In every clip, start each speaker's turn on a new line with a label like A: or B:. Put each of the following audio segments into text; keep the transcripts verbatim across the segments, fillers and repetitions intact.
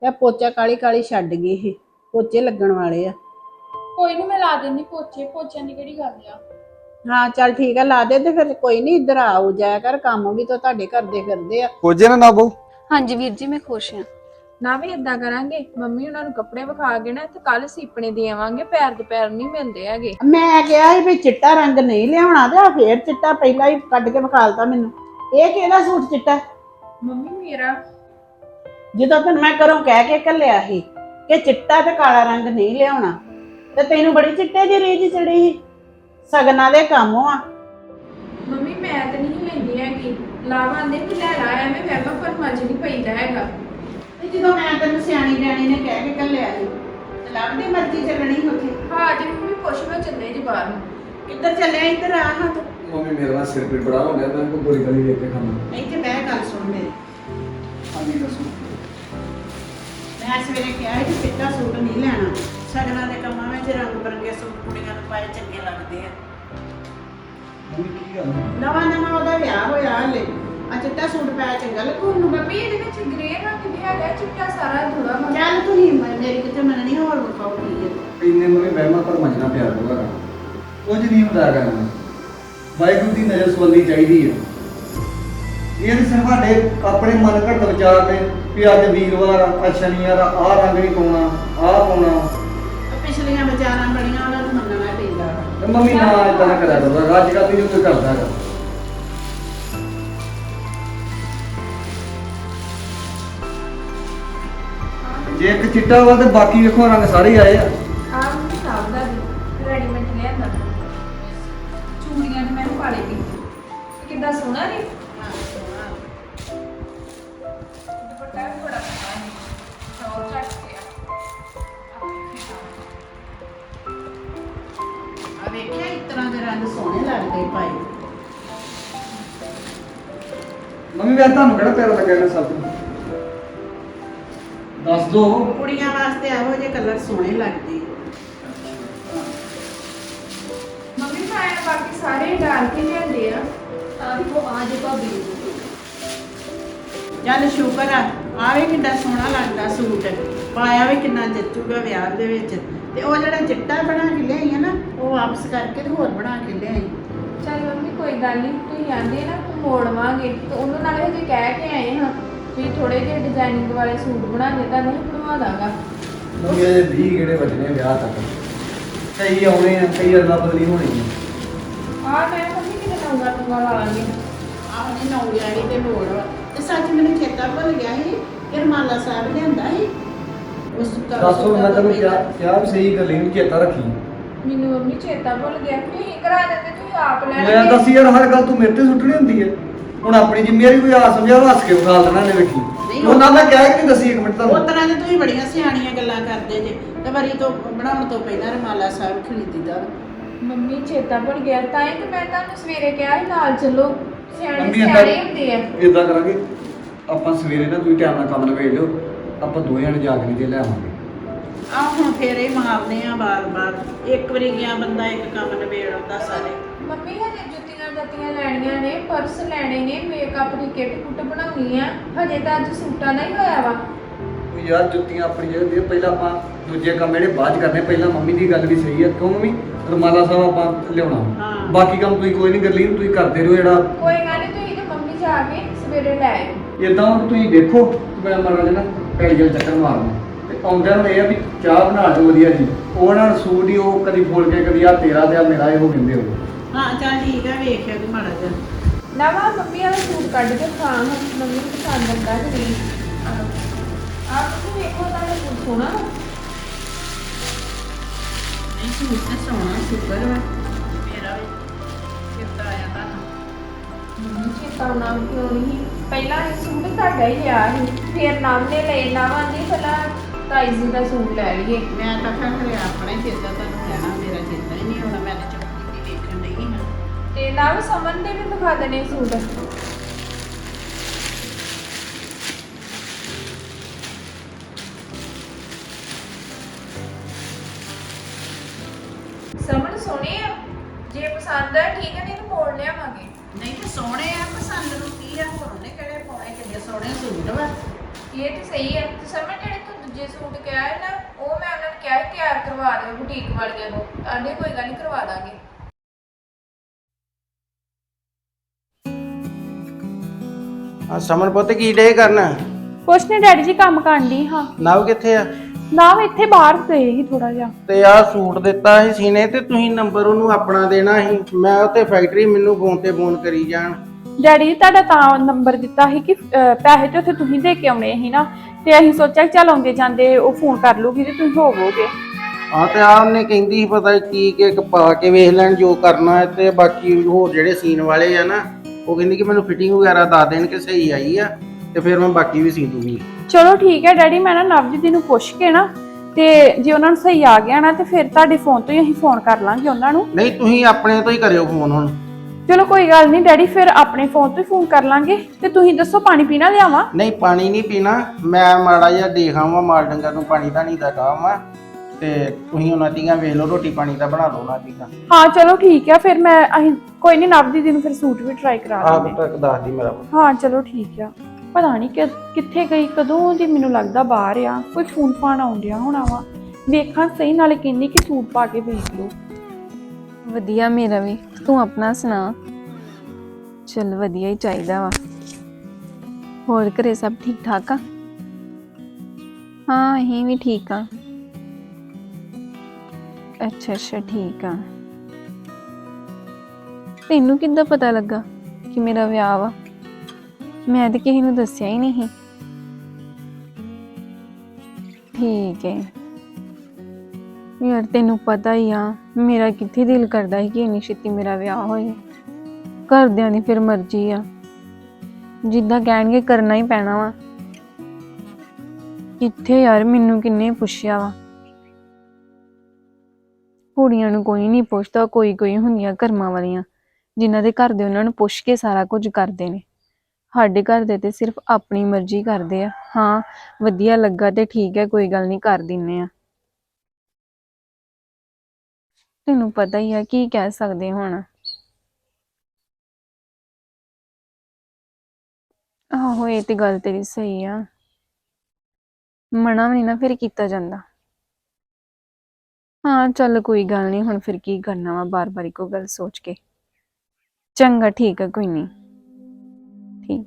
A: ਤੇ ਪੋਚਾ ਕਾਲੀ ਕਾਲੀ ਛੱਡ ਗਈ ਇਹ, ਪੋਚੇ ਲੱਗਣ ਵਾਲੇ ਆ।
B: ਕੋਈ ਨਹੀਂ, ਮੈਂ ਲਾ ਦਿੰਦੀ ਪੋਚੇ। ਪੋਚਿਆਂ ਦੀ ਕਿਹੜੀ ਗੱਲ ਆ।
A: ਹਾਂ ਚੱਲ ਠੀਕ ਆ, ਲਾ ਦੇ ਤੇ ਫਿਰ ਕੋਈ ਨਹੀਂ, ਇੱਧਰ ਆਉ ਜਾਇਆ ਕਰ, ਕੰਮ ਵੀ ਤਾਂ ਤੁਹਾਡੇ ਕਰਦੇ ਫਿਰਦੇ ਆ।
C: ਕੋਜੇ ਨਾ ਨਾ ਬੋ।
D: ਹਾਂਜੀ ਵੀਰ ਜੀ, ਮੈਂ ਖੁਸ਼ ਹਾਂ।
B: ਨਾ ਵੀ ਇਦਾਂ ਕਰਾਂਗੇ, ਮੰਮੀ ਉਹਨਾਂ ਨੂੰ ਕੱਪੜੇ ਵਿਖਾ ਕੇ ਨਾ ਤੇ ਕੱਲ ਸੀਪਣੇ ਦੇ ਆਵਾਂਗੇ। ਪੈਰ ਦੇ ਪੈਰ ਨਹੀਂ ਮਿਲਦੇ ਹੈਗੇ।
A: ਮੈਂ ਕਿਹਾ ਸੀ ਵੀ ਚਿੱਟਾ ਰੰਗ ਨਹੀਂ ਲਿਆਉਣਾ, ਤੇ ਆ ਫੇਰ ਚਿੱਟਾ ਪਹਿਲਾਂ ਹੀ ਕੱਢ ਕੇ ਵਿਖਾਲਤਾ ਮੈਨੂੰ। ਇਹ ਕਿਹਦਾ ਸੂਟ ਚਿੱਟਾ?
B: ਮੰਮੀ ਮੇਰਾ
A: ਜਦੋਂ ਤੈਨੂੰ ਮੈਂ ਘਰੋਂ ਕਹਿ ਕੇ ਘੱਲਿਆ ਸੀ ਕਿ ਚਿੱਟਾ ਤੇ ਕਾਲਾ ਰੰਗ ਨਹੀਂ ਲਿਆਉਣਾ, ਤੇ ਤੈਨੂੰ ਬੜੀ ਚਿੱਟੇ ਦੀ ਰੀਝ ਚੜੀ ਸੀ। ਸਗਨਾਂ ਦੇ ਕੰਮ ਆ।
B: ਮੰਮੀ ਮੈਂ ਤੇ ਨਹੀਂ ਲੈਂਦੀ ਹੈਗੀ। ਲਾਵਾਂ ਦੇ ਵੀ ਲੈ ਲਾ, ਐਵੇਂ ਵਹਿਮਾਂ ਭਰਮਾਂ ਚ ਨਹੀਂ ਪਈਦਾ ਹੈਗਾ।
A: ਤੇ ਜਦੋਂ ਮੈਂ ਤੈਨੂੰ ਸਿਆਣੀ ਬਿਆਣੀ ਨੇ ਕਹਿ ਕੇ ਘੱਲਿਆ ਸੀ, ਤੇ ਲੱਭਦੀ ਮਰਜ਼ੀ ਚੱਲਣੀ ਉੱਥੇ।
B: ਹਾਂ ਜੀ ਮੰਮੀ, ਪੁੱਛ ਮੈਂ ਚੱਲੇ ਜੀ ਬਾਹਰ ਨੂੰ।
A: ਕਿੱਧਰ ਚੱਲਿਆ? ਇੱਧਰ ਆ ਹਾਂ ਤੂੰ।
C: ਮੰਮੀ ਮੇਰਾ ਨਾ ਸਿਰ ਪੀੜ ਬੜਾ ਹੋ ਗਿਆ, ਮੈਂ ਕੋਈ ਗੋਲੀ ਗਾਲੀ ਦੇ ਕੇ ਖਾਣਾ।
A: ਇੱਥੇ ਬਹਿ, ਗੱਲ ਸੁਣ ਮੇਰੀ।
C: ਹਾਂਜੀ ਦੱਸੋ।
A: ਮੈਂ ਸਵੇਰੇ ਕਿਹਾ ਸੀ ਕਿ ਚਿੱਟਾ ਸੂਟ ਨਹੀਂ ਲੈਣਾ। ਸਗਨਾਂ ਦੇ ਕੰਮਾਂ ਵਿੱਚ ਰੰਗ ਬਰੰਗੇ ਸੂਟ ਕੁੜੀਆਂ ਨੂੰ ਪਾਏ ਚੰਗੇ ਲੱਗਦੇ ਆ।
C: ਮੰਮੀ ਕੀ ਗੱਲ?
A: ਨਵਾਂ ਨਵਾਂ ਉਹਦਾ ਵਿਆਹ ਹੋਇਆ ਹਲੇ, ਆ ਚਿੱਟਾ ਸੂਟ ਪਾਇਆ ਚੰਗਾ ਲੱਗੂ ਉਹਨੂੰ।
B: ਮੰਮੀ ਇਹਦੇ ਵਿੱਚ ਗ੍ਰੇ ਰੰਗ ਵੀ ਹੈਗਾ, ਚਿੱਟਾ ਸਾਰਾ ਥੋੜਾ ਵਾ।
A: ਚੱਲ ਤੁਸੀਂ ਮ- ਮੇਰੀ ਕਿਤੇ ਮੰਨਣੀ, ਹੋਰ ਵਿਖਾਓ ਕੀ ਹੈ।
C: ਇੰਨੇ ਮੰਮੀ ਵਹਿਮਾਂ ਪਰ ਮਜਣਾ ਪਿਆਰ ਹੋਗਾ, ਕੁਝ ਨਹੀਂ ਹੁੰਦਾ ਕਰਨਾ। ਵਾਹਿਗੁਰੂ ਦੀ ਨਜ਼ਰ ਸਵੱਲੀ ਚਾਹੀਦੀ ਹੈ। ਇਹ ਤਾਂ ਸਿਰਫ ਸਾਡੇ ਆਪਣੇ ਮਨ ਘੜਤ ਵਿਚਾਰ ਨੇ ਵੀ ਅੱਜ ਵੀਰਵਾਰ ਆ, ਅੱਜ ਸ਼ਨੀਵਾਰ ਆ, ਆਹ ਰੰਗ ਨਹੀਂ ਪਾਉਣਾ, ਆਹ ਪਾਉਣਾ।
A: ਉਹ ਪਿਛਲੀਆਂ ਵਿਚਾਰਾਂ ਬੜੀਆਂ, ਉਹਨਾਂ ਨੂੰ ਮੰਨਣਾ ਪੈਂਦਾ ਵਾ।
C: ਤੇ ਮੰਮੀ ਨਾ ਇਦਾਂ ਨਾ ਕਰਿਆ ਕਰੋ, ਅੱਜ ਕੱਲ੍ਹ ਨਹੀਂ ਕੋਈ ਕਰਦਾ ਹੈਗਾ। ਜੇ ਇੱਕ ਚਿੱਟਾ ਵਾ ਤੇ ਬਾਕੀ ਵੇਖੋ ਰੰਗ ਸਾਰੇ ਆਏ ਆ।
B: ਆਹ ਮੰਮੀ ਸਾਬ ਦਾ ਵੀ ਰੈਡੀਮੇਡ ਲਿਆਂਦਾ। ਚੂੜੀਆਂ ਤੇ ਮੈਂ ਪਾ ਲਈ ਸੀ। ਕਿੱਦਾਂ ਸੋਹਣਾ ਨੀ? ਦੁਪੱਟਾ ਵੀ ਬੜਾ ਸੋਹਣਾ ਹੈ। ਸੌ ਚੱਟ ਗਿਆ।
A: ਆ ਵੇਖਿਆ, ਇਸ ਤਰ੍ਹਾਂ ਦੇ ਰੰਗ ਸੋਹਣੇ ਲੱਗਦੇ ਪਾਏ।
C: ਮੰਮੀ ਮੈਂ ਤੁਹਾਨੂੰ ਕਿਹੜਾ ਪਿਆਰਾ ਲੱਗਿਆ ਨਾ ਸਭ ਤੋਂ ਦੱਸ ਦੋ।
A: ਕੁੜੀਆਂ ਵਾਸਤੇ ਇਹੋ ਜਿਹੇ ਕਲਰ ਸੋਹਣੇ ਲੱਗਦੇ।
B: ਮੰਮੀ ਮੈਂ ਬਾਕੀ ਸਾਰੇ ਡਾਲ ਕੇ ਲਿਆਂਦੇ ਆ।
D: ਆ ਵੀ ਉਹ ਆ ਜੇ ਭਾਬੀ।
A: ਚੱਲ ਸ਼ੁਕਰ ਆ, ਆਵੇ ਕਿੰਨਾ ਸੋਹਣਾ ਲੱਗਦਾ ਸੂਟ, ਪਾਇਆ ਵੀ ਕਿੰਨਾ ਜੱਚੂਗਾ ਵਿਆਹ ਦੇ ਵਿੱਚ। ਤੇ ਉਹ ਜਿਹੜਾ ਚਿੱਟਾ ਬਣਾ ਕੇ ਲਿਆਈ ਆ ਨਾ, ਉਹ ਵਾਪਸ ਕਰਕੇ ਤੇ ਹੋਰ ਬਣਾ ਕੇ ਲਿਆਈ।
B: ਚੱਲ ਮੰਮੀ ਕੋਈ ਗੱਲ ਨਹੀਂ, ਤੁਸੀਂ ਆਂਦੇ ਨਾ ਤੂੰ ਮੋੜਵਾਂਗੇ ਤੇ ਉਹਨਾਂ ਨਾਲ ਹਜੇ ਕਹਿ ਕੇ ਆਏ ਹਾਂ ਵੀ ਥੋੜੇ ਜਿਹੇ ਡਿਜ਼ਾਈਨਿੰਗ ਵਾਲੇ ਸੂਟ ਬਣਾ ਕੇ ਤਾਂ ਨਹੀਂ ਬਣਵਾ ਦਾਂਗਾ।
C: ਮੰਮੀ ਇਹ ਵੀਹ ਕਿਹੜੇ ਵੱਜਣੇ ਆ ਵਿਆਹ ਤੱਕ, ਕਈ ਆਉਣੇ ਆ, ਕਈ ਅਦਲਾ ਬਦਲੀ ਹੋਣੀ ਆ।
B: ਆਹ ਮੈਂ ਮੰਮੀ ਕਿਤੇ ਨੌਂਗਾ ਤੁੰਗਾ ਲਾ ਲਾਂਗੇ।
A: ਆਹ ਨੇ ਨੌਂ ਵਾਲੀ ਤੇ ਲੋੜ ਵਾ। ਤੇ ਸੱਚ ਮੈਨੂੰ ਚੇਤਾ ਭੁੱਲ ਗਿਆ ਸੀ, ਕਿ ਰਮਾਲਾ ਸਾਹਿਬ ਲਿਆਂਦਾ ਸੀ। ਉਸ ਤੋਂ
C: ਦੱਸੋ ਮੈਂ ਤੈਨੂੰ ਕਿਹਾ ਕਿਹਾ ਵੀ ਸਹੀ ਗੱਲ ਇਹਨੂੰ ਚੇਤਾ ਰੱਖੀ।
B: ਮੈਨੂੰ ਮੰਮੀ ਚੇਤਾ ਭੁੱਲ ਗਿਆ। ਤੁਸੀਂ ਕਰਾ ਦਿੰਦੇ, ਤੁਸੀਂ ਆਪ ਲੈ
C: ਮੈਂ ਦੱਸ ਯਾਰ, ਹਰ ਗੱਲ ਤੂੰ ਮੇਰੇ ਤੇ ਸੁੱਟਣੀ ਹੁੰਦੀ ਹੈ। ਹੁਣ ਆਪਣੀ ਜ਼ਿੰਮੇਵਾਰੀ ਕੋਈ ਆ ਸਮਝਾ, ਹੱਸ ਕੇ ਵਿਖਾਲ ਦੇਣਾ ਨੇ ਵੇਖੀ। ਉਹਨਾਂ ਮੈਂ ਕਹਿ ਕੇ ਨਹੀਂ ਦੱਸੀ ਇੱਕ ਮਿੰਟ
A: ਉਹ
C: ਤੁਹਾਨੂੰ।
A: ਤਰ੍ਹਾਂ ਦੇ ਤੁਸੀਂ ਬੜੀਆਂ ਸਿਆਣੀਆਂ ਗੱਲਾਂ ਕਰਦੇ ਜੇ। ਤੇ ਵਰੀ ਤੋਂ ਬਣਾਉਣ ਤੋਂ ਪਹਿਲਾਂ ਰਮਾਲਾ ਸਾਹਿਬ ਖਰੀਦੀਦਾ ਵਾ।
B: ਮੰਮੀ ਚੇਤਾ ਭੁੱਲ ਗਿਆ, ਤਾਂ ਹੀ ਤੇ ਮੈਂ ਤੁਹਾਨੂੰ ਸਵੇਰੇ ਕਿਹਾ ਸੀ ਨਾਲ ਚੱਲੋ। ਸਿਆਣੇ
C: ਮੰਮੀ
B: ਸਿਆਣੇ ਹੁੰਦੇ ਆ।
C: ਇਦਾਂ ਕਰਾਂਗੇ, ਆਪਾਂ ਸਵੇਰੇ ਨਾ ਤੁਸੀਂ ਟਾਈਮ ਨਾਲ ਕੰਮ ਨਿਬੇੜ ਲਿਓ, ਆਪਾਂ ਦੋਵੇਂ ਜਣੇ ਜਾ ਕੇ ਤੇ ਲੈ ਆਵਾਂਗੇ।
A: ਆਹ ਹੁਣ ਫੇਰ ਇਹ ਮਾਰਦੇ ਆ ਬਾਰ-ਬਾਰ। ਇੱਕ ਵਾਰੀ ਗਿਆ ਬੰਦਾ ਇੱਕ ਕੰਮ ਨਿਬੇੜ ਆਉਂਦਾ ਸਾਰੇ।
B: ਮੰਮੀ ਹਜੇ ਜੁੱਤੀਆਂ ਜੱਤੀਆਂ ਲੈਣੀਆਂ ਨੇ, ਪਰਸ ਲੈਣੇ ਨੇ, ਮੇਕਅਪ ਦੀ ਕਿੱਟ ਕੁੱਟ ਬਣਾਉਣੀ ਆ। ਹਜੇ ਤਾਂ ਅੱਜ ਸੂਟਾਂ ਦਾ ਹੀ ਹੋਇਆ ਵਾ।
C: ਉਹ ਯਾਰ ਜੁੱਤੀਆਂ ਆਪਣੀ ਜਗ੍ਹਾ ਤੇ ਆ, ਪਹਿਲਾਂ ਆਪਾਂ ਦੂਜੇ ਕੰਮ ਜਿਹੜੇ ਬਾਅਦ ਚ ਕਰਨੇ। ਪਹਿਲਾਂ ਮੰਮੀ ਦੀ ਗੱਲ ਵੀ ਸਹੀ ਹੈ, ਕਿਉਂ ਮੰਮੀ? ਰਮਾਲਾ ਸਾਹਿਬ ਆਪਾਂ ਲਿਆਉਣਾ,
A: ਹਾਂ।
C: ਬਾਕੀ ਕੰਮ ਤੁਸੀਂ ਕੋਈ ਨਹੀਂ ਕਰਲੀ, ਤੁਸੀਂ ਕਰਦੇ ਰਹੋ। ਜਿਹੜਾ
B: ਕੋਈ ਗੱਲ ਨਹੀਂ, ਤੁਸੀਂ ਤੇ ਮੰਮੀ ਜਾ ਕੇ ਸਵੇਰੇ ਲੈ ਆਇਓ।
C: ਇਦਾਂ ਹੁਣ ਤੁਸੀਂ ਦੇਖੋ, ਮੈਂ ਮਰਾਂ ਜਨਾ ਪੈਲੀ ਜਲ ਚੱਕਰ ਮਾਰਨਾ ਤੇ ਆਉਂਦਿਆਂ ਨੂੰ ਇਹ ਆ ਵੀ ਚਾਹ ਬਣਾ ਦਿਓ ਵਧੀਆ ਜੀ। ਉਹ ਨਾਲ ਸੂਟ ਹੀ ਉਹ ਕਦੀ ਫੋਲ ਕੇ ਕਦੀ ਆ ਤੇਰਾ ਤੇ ਆ ਮੇਰਾ ਇਹੋ ਕਹਿੰਦੇ ਹੋ।
A: ਹਾਂ ਚੱਲ ਠੀਕ ਆ, ਵੇਖਿਆ ਤੂੰ ਮਾੜਾ ਜਿਹਾ।
B: ਨਾ ਵਾ ਮੰਮੀ ਵਾਲਾ ਸੂਟ ਕੱਢ ਕੇ ਖਾ, ਮੰਮੀ ਨੂੰ ਪਸੰਦ ਆਉਂਦਾ ਕਿ ਨਹੀਂ। ਆਪ ਤੁਸੀਂ ਵੇਖੋ ਤਾਂ ਸੂਟ ਸੋਹਣਾ ਵਾ।
A: ਨਹੀਂ ਸੂਟ ਤੇ ਸੋਹਣਾ, ਸ਼ੁਕਰ ਵਾ ਮੇਰਾ ਵੀ ਚੇਤਾ ਆਇਆ ਤੁਹਾਨੂੰ।
B: ਮੰਮੀ ਚੇਤਾ ਆਉਣਾ ਕਿਉਂ ਨਹੀਂ? ਪਹਿਲਾਂ ਇਹ ਸੂਟ ਤੁਹਾਡਾ ਹੀ ਲਿਆ ਸੀ, ਫਿਰ ਨਾਮ ਨੇ ਲਏ। ਨਾਵਾਂ ਦੀ ਪਹਿਲਾਂ ਤਾਈ ਜੀ ਦਾ ਸੂਟ ਲੈ ਲਈਏ।
A: ਮੈਂ ਤਾਂ ਕਿਹਾ ਖਰੇ ਆਪਣਾ ਹੀ ਚੇਤਾ ਤੁਹਾਨੂੰ ਲੈਣਾ, ਮੇਰਾ ਚੇਤਾ ਹੀ ਨਹੀਂ ਹੋਣਾ। ਮੈਂ ਤਾਂ ਚੁੱਪ ਕੀਤੀ ਵੇਖਣ ਡਈ ਹਾਂ।
B: ਤੇ ਨਾਲ ਸਮਨ ਦੇ ਵੀ ਦਿਖਾ ਦੇਣੇ ਸੂਟ। ਸਮਨ ਸੋਹਣੇ ਆ, ਜੇ ਪਸੰਦ ਆ ਠੀਕ ਹੈ, ਨਹੀਂ ਤਾਂ ਮੋੜ ਲਿਆਵਾਂਗੇ।
A: ਨਹੀਂ ਤੇ ਸੋਹਣੇ ਆ, ਪਸੰਦ ਨੂੰ ਕੀ ਆ? ਹੋਰ ਉਹਨੇ ਕਿਹੜੇ ਪਾਉਣੇ, ਕਿੰਨੇ ਸੋਹਣੇ ਸੂਟ ਵਾ।
B: ਇਹ ਤੇ ਸਹੀ ਹੈ। ਤੇ ਸਮਨ ਜਿਹੜੇ ਤੂੰ ਕਰਵਾ ਦਿਓ ਬੁਟੀਕ ਵਾਲਿਆਂ ਨੂੰ, ਆਂਦੇ ਕੋਈ ਗੱਲ ਨਹੀਂ ਕਰਵਾ ਦਾਂਗੇ।
E: ਆ ਸਮਨ ਪੁੱਤ ਕੀ ਡੇ ਕਰਨਾ?
F: ਕੁਛ ਨਹੀਂ ਡੈਡੀ ਜੀ, ਕੰਮ ਕਰਨ ਦੀ ਹਾਂ।
E: ਨਵ ਕਿੱਥੇ ਆ?
F: ਨਾ ਇੱਥੇ ਬਾਹਰ ਗਏ ਸੀ ਥੋੜਾ ਜਿਹਾ।
E: ਤੇ ਆ ਸੂਟ ਦਿੱਤਾ ਸੀ ਸੀਨੇ ਤੇ ਤੁਸੀਂ ਨੰਬਰ ਉਹਨੂੰ ਆਪਣਾ ਦੇਣਾ ਸੀ। ਮੈਂ ਉੱਥੇ ਫੈਕਟਰੀ ਮੈਨੂੰ ਫੋਨ ਤੇ ਫੋਨ ਕਰੀ ਜਾਣ।
F: ਡੈਡੀ ਜੀ ਤੁਹਾਡਾ ਤਾਂ ਨੰਬਰ ਦਿੱਤਾ ਸੀ ਕਿ ਅਹ, ਪੈਸੇ ਤੇ ਉੱਥੇ ਤੁਸੀਂ ਦੇ ਕੇ ਆਉਣੇ ਸੀ ਨਾ, ਤੇ ਅਸੀਂ ਸੋਚਿਆ ਕਿ ਚੱਲ ਆਉਂਦੇ ਜਾਂਦੇ ਉਹ ਫੋਨ ਕਰ ਲੂਗੀ ਤੇ ਤੁਸੀਂ ਹੋਵੋਗੇ।
E: ਆ ਤੇ ਆ ਉਹਨੇ ਕਹਿੰਦੀ ਸੀ ਪਤਾ ਕੀ ਕਿ ਪਾ ਕੇ ਵੇਖ ਲੈਣ ਜੋ ਕਰਨਾ ਹੈ, ਤੇ ਬਾਕੀ ਹੋਰ ਜਿਹੜੇ ਸੀਨ ਵਾਲੇ ਆ ਨਾ ਉਹ ਕਹਿੰਦੀ ਕਿ ਮੈਨੂੰ ਫਿਟਿੰਗ ਵਗੈਰਾ ਦੱਸ ਦੇਣ ਕਿ ਸਹੀ ਆਈ ਆ ਤੇ ਫਿਰ ਮੈਂ ਬਾਕੀ ਵੀ ਸੀ ਦੂੰਗੀ।
F: ਚਲੋ ਠੀਕ ਹੈ ਡੈਡੀ, ਮੈਂ ਨਾ ਨਵਜੀਤ ਜੀ ਨੂੰ ਪੁੱਛ ਕੇ ਨਾ, ਤੇ ਜੇ ਉਹਨਾਂ ਨੂੰ ਸਹੀ ਆ ਗਿਆ ਨਾ ਤੇ ਫਿਰ ਤੁਹਾਡੇ ਫੋਨ ਤੋਂ ਹੀ ਅਸੀਂ ਫੋਨ ਕਰ ਲਾਂਗੇ ਉਹਨਾਂ ਨੂੰ।
E: ਨਹੀਂ ਤੁਸੀਂ ਆਪਣੇ ਤੋਂ ਹੀ ਕਰਿਓ ਫੋਨ ਹੁਣ।
F: ਚਲੋ ਕੋਈ ਗੱਲ ਨਹੀਂ ਡੈਡੀ, ਫਿਰ ਆਪਣੇ ਫੋਨ ਤੋਂ ਹੀ ਫੋਨ ਕਰ ਲਾਂਗੇ। ਤੇ ਤੁਸੀਂ ਦੱਸੋ ਪਾਣੀ ਪੀਣਾ ਲਿਆਵਾਂ?
E: ਨਹੀਂ ਪਾਣੀ ਨਹੀਂ ਪੀਣਾ, ਮੈਂ ਮਾੜਾ ਜਿਹਾ ਦੇਖ ਆਵਾਂ ਮਾਲ ਡੰਗਰ ਨੂੰ ਪਾਣੀ ਤਾਂ ਨਹੀਂ ਦਾ ਕਾਵਾਂ, ਤੇ ਤੁਸੀਂ ਉਹਨਾਂ ਦੀਆਂ ਵੇਖ ਲਓ ਰੋਟੀ ਪਾਣੀ ਦਾ ਬਣਾ ਲਓ ਉਹਨਾਂ ਦੀਆਂ।
F: ਹਾਂ ਚਲੋ ਠੀਕ ਹੈ, ਫਿਰ ਮੈਂ ਅਸੀਂ ਕੋਈ ਨਹੀਂ ਨਵਜੀਤ ਜੀ ਨੂੰ ਫਿਰ ਸੂਟ ਵੀ ਟਰਾਈ ਕਰਾ
E: ਆਪ
F: ਲਾਂਗੇ।
E: ਤੱਕ ਦੱਸ ਦੀ ਮੇਰਾ।
F: ਹਾਂ ਚਲੋ ਠੀਕ ਆ। ਪਤਾ ਨਹੀਂ ਕਿ ਕਿੱਥੇ ਗਈ, ਕਦੋਂ ਦੀ ਮੈਨੂੰ ਲੱਗਦਾ ਬਾਹਰ ਆ। ਕੋਈ ਫੋਨ ਫਾਨ ਆਉਣ ਡਿਆ ਹੋਣਾ ਵਾ, ਵੇਖਾਂ ਸਹੀ। ਨਾਲੇ ਕਹਿੰਦੀ ਕਿ ਸੂਟ ਪਾ ਕੇ ਵੇਖ ਲਓ।
G: ਵਧੀਆ ਮੇਰਾ ਵੀ, ਤੂੰ ਆਪਣਾ ਸੁਣਾ? ਚੱਲ ਵਧੀਆ ਹੀ ਚਾਹੀਦਾ ਵਾ। ਹੋਰ ਘਰੇ ਸਭ ਠੀਕ ਠਾਕ ਆ? ਹਾਂ ਅਸੀਂ ਵੀ ਠੀਕ ਆ। ਅੱਛਾ ਅੱਛਾ ਠੀਕ ਆ। ਤੈਨੂੰ ਕਿੱਦਾਂ ਪਤਾ ਲੱਗਾ ਕਿ ਮੇਰਾ ਵਿਆਹ ਵਾ? ਮੈਂ ਤਾਂ ਕਿਸੇ ਨੂੰ ਦੱਸਿਆ ਹੀ ਨਹੀਂ। ਠੀਕ ਹੈ ਯਾਰ, ਤੈਨੂੰ ਪਤਾ ਹੀ ਆ ਮੇਰਾ ਕਿੱਥੇ ਦਿਲ ਕਰਦਾ ਸੀ ਕਿ ਇੰਨੀ ਛੇਤੀ ਮੇਰਾ ਵਿਆਹ ਹੋਏ। ਘਰਦਿਆਂ ਦੀ ਫਿਰ ਮਰਜ਼ੀ ਆ, ਜਿੱਦਾਂ ਕਹਿਣਗੇ ਕਰਨਾ ਹੀ ਪੈਣਾ ਵਾ। ਕਿੱਥੇ ਯਾਰ, ਮੈਨੂੰ ਕਿੰਨੇ ਪੁੱਛਿਆ ਵਾ। ਕੁੜੀਆਂ ਨੂੰ ਕੋਈ ਨਹੀਂ ਪੁੱਛਦਾ, ਕੋਈ ਕੋਈ ਹੁੰਦੀਆਂ ਕਰਮਾਂ ਵਾਲੀਆਂ ਜਿਨ੍ਹਾਂ ਦੇ ਘਰ ਦੇ ਉਹਨਾਂ ਨੂੰ ਪੁੱਛ ਕੇ ਸਾਰਾ ਕੁਝ ਕਰਦੇ ਨੇ। ਸਾਡੇ ਘਰ ਦੇ ਤੇ ਸਿਰਫ ਆਪਣੀ ਮਰਜ਼ੀ ਕਰਦੇ ਆ। ਹਾਂ ਵਧੀਆ ਲੱਗਾ ਤੇ ਠੀਕ ਹੈ, ਕੋਈ ਗੱਲ ਨਹੀਂ ਕਰ ਦਿੰਨੇ ਆ। ਤੈਨੂੰ ਪਤਾ ਹੀ ਆ ਕੀ ਕਹਿ ਸਕਦੇ ਹੁਣ। ਆਹੋ ਇਹ ਤੇ ਗੱਲ ਤੇਰੀ ਸਹੀ ਆ, ਮਨਾ ਵੀ ਨਹੀਂ ਨਾ ਫਿਰ ਕੀਤਾ ਜਾਂਦਾ। ਹਾਂ ਚੱਲ ਕੋਈ ਗੱਲ ਨਹੀਂ, ਹੁਣ ਫਿਰ ਕੀ ਕਰਨਾ ਵਾ ਬਾਰ ਬਾਰ ਇੱਕੋ ਗੱਲ ਸੋਚ ਕੇ। ਚੰਗਾ ਠੀਕ ਆ, ਕੋਈ ਨਹੀਂ ਠੀਕ।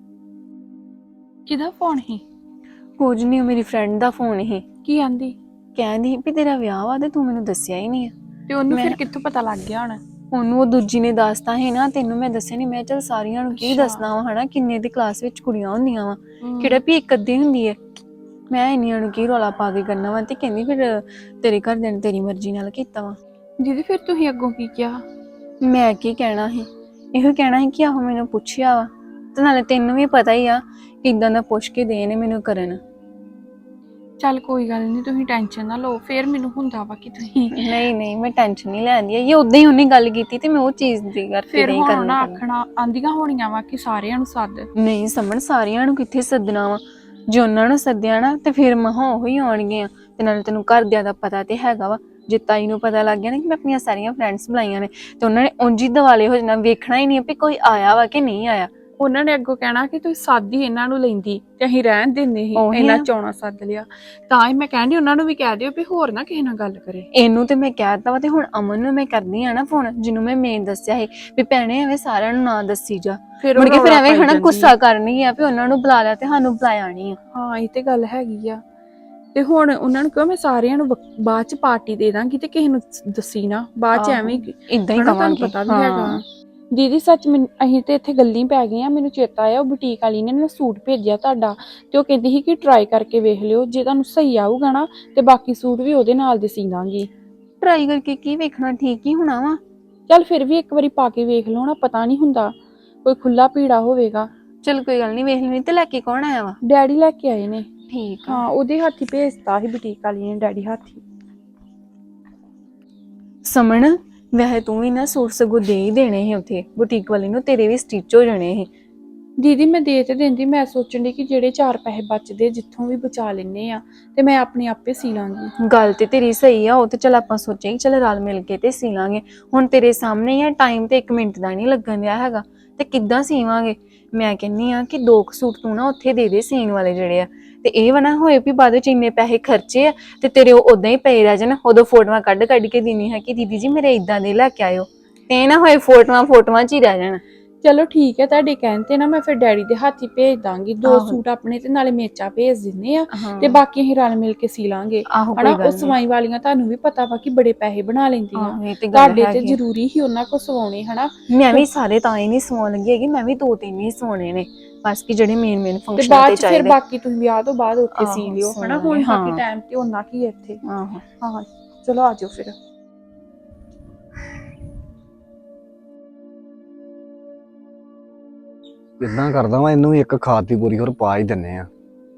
F: ਕਿਹਦਾ ਫੋਨ ਸੀ?
G: ਕੁਝ ਨਹੀਂ, ਮੇਰੀ ਫਰੈਂਡ ਦਾ ਫੋਨ ਹੀ।
F: ਕੀ ਆਂਦੀ?
G: ਕਹਿੰਦੀ ਵੀ ਤੇਰਾ ਵਿਆਹ ਵਾ ਤੇ ਤੂੰ ਮੈਨੂੰ ਦੱਸਿਆ ਹੀ ਨਹੀਂ ਆ।
F: ਤੇ ਉਹਨੂੰ
G: ਮੈਂ-
F: ਫਿਰ ਕਿੱਥੋਂ ਪਤਾ ਲੱਗ ਗਿਆ ਹੋਣਾ?
G: ਉਹਨੂੰ ਉਹ ਦੂਜੀ ਨੇ ਦੱਸਤਾ ਹੈ ਨਾ, ਤੈਨੂੰ ਮੈਂ ਦੱਸਿਆ ਨਹੀਂ। ਮੈਂ ਚੱਲ ਸਾਰੀਆਂ ਨੂੰ ਕੀ
F: ਅੱਛਾ।
G: ਦੱਸਣਾ ਵਾ ਹਨਾ, ਕਿੰਨੇ ਦੀ ਕਲਾਸ ਵਿੱਚ ਕੁੜੀਆਂ ਹੁੰਦੀਆਂ ਵਾ, ਕਿਹੜਾ ਵੀ ਇੱਕ ਅੱਧੀ ਹੁੰਦੀ ਹੈ। ਮੈਂ ਇੰਨੀਆਂ ਨੂੰ ਕੀ ਰੌਲਾ ਪਾ ਕੇ ਕਰਨਾ ਵਾ। ਤੇ ਕਹਿੰਦੀ ਫਿਰ ਤੇਰੇ ਘਰਦਿਆਂ ਨੇ ਤੇਰੀ ਮਰਜ਼ੀ ਨਾਲ ਕੀਤਾ ਵਾ।
F: ਦੀਦੀ ਫਿਰ ਤੁਸੀਂ ਅੱਗੋਂ ਕੀ ਕਿਹਾ?
G: ਮੈਂ ਕੀ ਕਹਿਣਾ ਸੀ, ਇਹੋ ਕਹਿਣਾ ਸੀ ਕਿ ਆਹੋ ਮੈਨੂੰ ਪੁੱਛਿਆ ਵਾ, ਤੇ ਨਾਲੇ ਤੈਨੂੰ ਵੀ ਪਤਾ ਹੀ ਆ ਕਿੱਦਾਂ ਦਾ ਪੁੱਛ ਕੇ ਦੇ ਨੇ ਮੈਨੂੰ ਕਰਨ।
F: ਚੱਲ ਕੋਈ ਗੱਲ ਨਹੀਂ, ਤੁਸੀਂ ਟੈਨਸ਼ਨ ਨਾ ਲਓ। ਫਿਰ ਮੈਨੂੰ ਹੁੰਦਾ ਵਾ ਕਿ ਤੁਸੀਂ
G: ਨਹੀਂ ਨਹੀਂ ਮੈਂ ਟੈਨਸ਼ਨ ਨਹੀਂ ਲੈਂਦੀ, ਇਹ ਉਦਾਂ ਹੀ ਉਹਨੇ ਗੱਲ ਕੀਤੀ ਤੇ ਮੈਂ ਉਹ ਚੀਜ਼ ਦੀ ਕਰਕੇ
F: ਫਿਰ
G: ਨਹੀਂ
F: ਹੁਣ
G: ਕਰਨਾ
F: ਨਾ
G: ਪੈਂਦਾ।
F: ਆਖਣਾ ਆਂਦੀਆਂ ਹੋਣੀਆਂ ਵਾ ਕਿ ਸਾਰਿਆਂ ਨੂੰ ਸੱਦ।
G: ਨਹੀਂ ਸਮਝ, ਸਾਰਿਆਂ ਨੂੰ ਕਿੱਥੇ ਸੱਦਣਾ ਵਾ। ਜੇ ਉਹਨਾਂ ਨੂੰ ਸੱਦਿਆ ਨਾ ਤੇ ਫਿਰ ਮਹਾਂ ਉਹੀ ਆਉਣਗੀਆਂ। ਤੇ ਨਾਲੇ ਤੈਨੂੰ ਘਰਦਿਆਂ ਦਾ ਪਤਾ ਤੇ ਹੈਗਾ ਵਾ। ਜੇ ਤਾਈ ਨੂੰ ਪਤਾ ਲੱਗ ਗਿਆ ਨਾ ਕਿ ਮੈਂ ਆਪਣੀਆਂ ਸਾਰੀਆਂ ਫਰੈਂਡਸ ਬੁਲਾਈਆਂ ਨੇ ਤੇ ਉਹਨਾਂ ਨੇ ਉਂਝ ਹੀ ਦਿਵਾਲੇ ਹੋ ਜਾਣਾ, ਵੇਖਣਾ ਹੀ ਨਹੀਂ ਵੀ ਕੋਈ ਆਇਆ ਵਾ ਕਿ ਨਹੀਂ ਆਇਆ।
F: ਉਹਨਾਂ ਨੇ ਅੱਗੋਂ ਕਹਿਣਾ ਕਿ ਤੁਸੀਂ ਸੱਦ ਹੀ ਇਹਨਾਂ ਨੂੰ ਲੈਂਦੀ ਤੇ ਅਸੀਂ ਰਹਿਣ ਦਿੰਦੇ ਸੀ,
G: ਉਹੀ
F: ਇਹਨਾਂ
G: ਨਾ।
F: ਚੌਣਾ ਸੱਦ ਲਿਆ। ਤਾਂ ਹੀ ਮੈਂ ਕਹਿੰਦੀ ਉਹਨਾਂ ਨੂੰ ਵੀ ਕਹਿ ਦਿਓ ਵੀ ਹੋਰ ਨਾ ਕਿਸੇ ਨਾਲ ਗੱਲ ਕਰੇ।
G: ਇਹਨੂੰ ਤੇ ਮੈਂ ਕਹਿ ਦਿੱਤਾ ਵਾ, ਤੇ ਹੁਣ ਅਮਨ ਨੂੰ ਮੈਂ ਕਰਦੀ ਆ ਨਾ ਫੋਨ, ਜਿਹਨੂੰ ਮੈਂ ਮੇਨ ਦੱਸਿਆ ਸੀ ਵੀ ਭੈਣੇ ਐਵੇਂ ਸਾਰਿਆਂ ਨੂੰ ਨਾ ਦੱਸੀ ਜਾ।
F: ਫਿਰ
G: ਮੁੜ ਕੇ ਫਿਰ ਐਵੇਂ ਹਨਾ ਗੁੱਸਾ ਕਰਨੀ ਆ ਵੀ ਉਹਨਾਂ ਨੂੰ ਬੁਲਾ ਲਿਆ ਤੇ ਸਾਨੂੰ ਬੁਲਾਇਆ ਨਹੀਂ ਆ।
F: ਹਾਂ ਇਹ ਤੇ ਗੱਲ ਹੈਗੀ ਆ। ਤੇ ਹੁਣ ਉਹਨਾਂ ਨੂੰ ਕਹੋ ਮੈਂ ਸਾਰਿਆਂ ਨੂੰ ਵਕ- ਬਾਅਦ ਚ ਪਾਰਟੀ ਦੇ ਦਾਂਗੀ ਤੇ ਕਿਸੇ ਨੂੰ ਦੱਸੀ ਨਾ ਬਾਅਦ ਚ, ਐਵੇਂ
G: ਇਦਾਂ ਹੀ
F: ਹਨਾ, ਤੁਹਾਨੂੰ
G: ਕਵਾਂਗੇ।
F: ਪਤਾ ਵੀ ਹੈਗਾ। ਦੀਦੀ ਸੱਚ ਮੈਨੂੰ ਅਸੀਂ ਤੇ ਇੱਥੇ ਗੱਲਾਂ ਪੈ ਗਈਆਂ। ਮੈਨੂੰ ਚੇਤਾ ਆਇਆ ਉਹ ਬੁਟੀਕ ਵਾਲੀ ਨੇ ਨਾ ਸੂਟ ਭੇਜਿਆ ਤੁਹਾਡਾ, ਤੇ ਉਹ ਕਹਿੰਦੀ ਸੀ ਕਿ ਟਰਾਈ ਕਰਕੇ ਵੇਖ ਲਿਓ, ਜੇ ਤੁਹਾਨੂੰ ਸਹੀ ਆਊਗਾ ਨਾ ਤੇ ਬਾਕੀ ਸੂਟ ਵੀ ਉਹਦੇ ਨਾਲ ਦੇ ਸੀ ਦਾਂਗੀ।
G: ਟਰਾਈ ਕਰਕੇ ਕੀ ਵੇਖਣਾ, ਠੀਕ ਹੀ ਹੋਣਾ ਵਾ।
F: ਚੱਲ ਫਿਰ ਵੀ ਇੱਕ ਵਾਰੀ ਪਾ ਕੇ ਵੇਖ ਲਓ ਨਾ, ਪਤਾ ਨਹੀਂ ਹੁੰਦਾ ਕੋਈ ਖੁੱਲਾ ਪੀੜਾ ਹੋਵੇਗਾ।
G: ਚਲ ਕੋਈ ਗੱਲ ਨਹੀਂ, ਵੇਖ ਲੈਣੀ। ਤੇ ਲੈ ਕੇ ਕੌਣ ਆਇਆ ਵਾ?
F: ਡੈਡੀ ਲੈ ਕੇ ਆਏ ਨੇ।
G: ਠੀਕ ਆ।
F: ਹਾਂ ਉਹਦੇ ਹੱਥੀ ਭੇਜਤਾ ਸੀ ਬੁਟੀਕ ਵਾਲੀ ਨੇ, ਡੈਡੀ ਹੱਥੀ।
G: ਸਮਣ ਵੈਸੇ ਤੂੰ ਵੀ ਨਾ ਸੂਟ ਸਗੋਂ ਦੇ ਹੀ ਦੇਣੇ ਸੀ ਉੱਥੇ ਬੁਟੀਕ ਵਾਲੀ ਨੂੰ, ਤੇਰੇ ਵੀ ਸਟਿਚ ਹੋ ਜਾਣੇ ਸੀ।
F: ਦੀਦੀ ਮੈਂ ਦੇ ਤੇ ਦਿੰਦੀ, ਮੈਂ ਸੋਚਣ ਦੀ ਕਿ ਜਿਹੜੇ ਚਾਰ ਪੈਸੇ ਬਚਦੇ ਜਿੱਥੋਂ ਵੀ ਬਚਾ ਲੈਨੇ ਆ ਤੇ ਮੈਂ ਆਪਣੇ ਆਪੇ ਸੀ ਲਾਂਗੀ।
G: ਗੱਲ ਤੇ ਤੇਰੀ ਸਹੀ ਆ, ਉਹ ਤੇ ਚਲ ਆਪਾਂ ਸੋਚਿਆ ਕਿ ਚਲ ਰਲ ਮਿਲ ਕੇ ਤੇ ਸੀ ਲਾਂਗੇ। ਹੁਣ ਤੇਰੇ ਸਾਹਮਣੇ ਆ, ਟਾਈਮ ਤੇ ਇੱਕ ਮਿੰਟ ਦਾ ਨਹੀਂ ਲੱਗਣ ਦਿਆ ਹੈਗਾ, ਤੇ ਕਿੱਦਾਂ ਸੀਵਾਂਗੇ। ਮੈਂ ਕਹਿੰਨੀ ਆ ਕਿ ਦੋ ਕੁ ਸੂਟ ਤੂੰ ਨਾ ਉੱਥੇ ਦੇ ਦੇ ਸੀਨ ਵਾਲੇ ਜਿਹੜੇ ਆ, ਤੇ ਇਹ ਵਾ ਨਾ ਹੋਏ ਵੀ ਬਾਅਦ ਵਿੱਚ ਇੰਨੇ ਪੈਸੇ ਖਰਚੇ ਆ ਤੇ ਤੇਰੇ ਉਹ ਉਦਾਂ ਹੀ ਪਏ ਰਹਿ ਜਾਣ, ਉਦੋਂ ਫੋਟੋਆਂ ਕੱਢ ਕੱਢ ਕੇ ਦੇਣੀ ਹੈ ਕਿ ਦੀਦੀ ਜੀ ਮੇਰੇ ਇਦਾਂ ਦੇ ਲੈ ਕੇ ਆਇਓ, ਤੇ ਇਹ ਨਾ ਹੋਏ ਫੋਟੋਆਂ ਫੋਟੋਆਂ 'ਚ ਹੀ ਰਹਿ ਜਾਣ।
F: ਚਲੋ ਠੀਕ ਹੈ, ਤੁਹਾਡੇ ਕਹਿਣ ਤੇ ਨਾ ਮੈਂ ਫਿਰ ਡੈਡੀ ਦੇ ਹੱਥ ਹੀ ਭੇਜ ਦਾਂਗੀ, ਦੋ
G: ਆਹੋ।
F: ਸੂਟ ਆਪਣੇ ਤੇ ਨਾਲੇ ਮੇਚਾ ਭੇਜ ਦਿੰਨੇ ਆ,
G: ਹਾਂ।
F: ਤੇ ਬਾਕੀ ਅਸੀਂ ਰਲ ਮਿਲ ਕੇ ਸੀ ਲਾਂਗੇ
G: ਆਹੋ, ਕੋਈ
F: ਹਨਾ।
G: ਗੱਲ
F: ਉਹ
G: ਨੀ।
F: ਸਵਾਈ ਵਾਲੀਆਂ ਤੁਹਾਨੂੰ ਵੀ ਪਤਾ ਵਾ ਕਿ ਬੜੇ ਪੈਸੇ ਬਣਾ ਲੈਂਦੀਆਂ,
G: ਆਹੋ, ਇਹ ਤੇ ਗੱਲ
F: ਤੁਹਾਡੇ ਤੇ
G: ਹੈਗੀ ਆ।
F: ਜ਼ਰੂਰੀ ਹੀ ਉਹਨਾਂ ਕੋ ਸਵਾਉਣੇ ਹਨਾ।
G: ਮੈਂ ਵੀ ਸਾਰੇ ਤਾਂ ਹੀ ਨਹੀਂ ਸਵਾਉਣ ਲੱਗੀ ਹੈਗੀ, ਮੈਂ ਵੀ ਦੋ ਤਿੰਨ ਹੀ ਸਵਾਉਣੇ ਨੇ ਬਸ, ਕਿ ਜਿਹੜੇ ਮੇਨ ਮੇਨ
F: ਤੇ
G: ਫੰਕਸ਼ਨ
F: ਬਾਅਦ
G: ਤੇ
F: ਚ ਫਿਰ
G: ਚਾਹੀਦੇ।
F: ਬਾਕੀ ਤੁਸੀਂ ਵਿਆਹ ਤੋਂ ਬਾਅਦ ਉੱਥੇ ਸੀ
G: ਆਹੋ,
F: ਲਿਓ ਹਨਾ।
G: ਸਵਾਉਣੇ,
F: ਹੁਣ
G: ਹਾਂ।
F: ਬਾਕੀ ਟਾਈਮ ਤੇ ਉਹਨਾਂ ਕੀ ਹੈ ਇੱਥੇ।
G: ਆਹੋ।
F: ਹਾਂ ਚਲੋ ਆ ਜਾਓ ਫਿਰ।
C: ਇਦਾਂ ਕਰਦਾ ਵਾਂ, ਇਹਨੂੰ ਇੱਕ ਖਾਦ ਦੀ ਬੋਰੀ ਹੋਰ ਪਾ ਹੀ ਦਿੰਨੇ ਆ।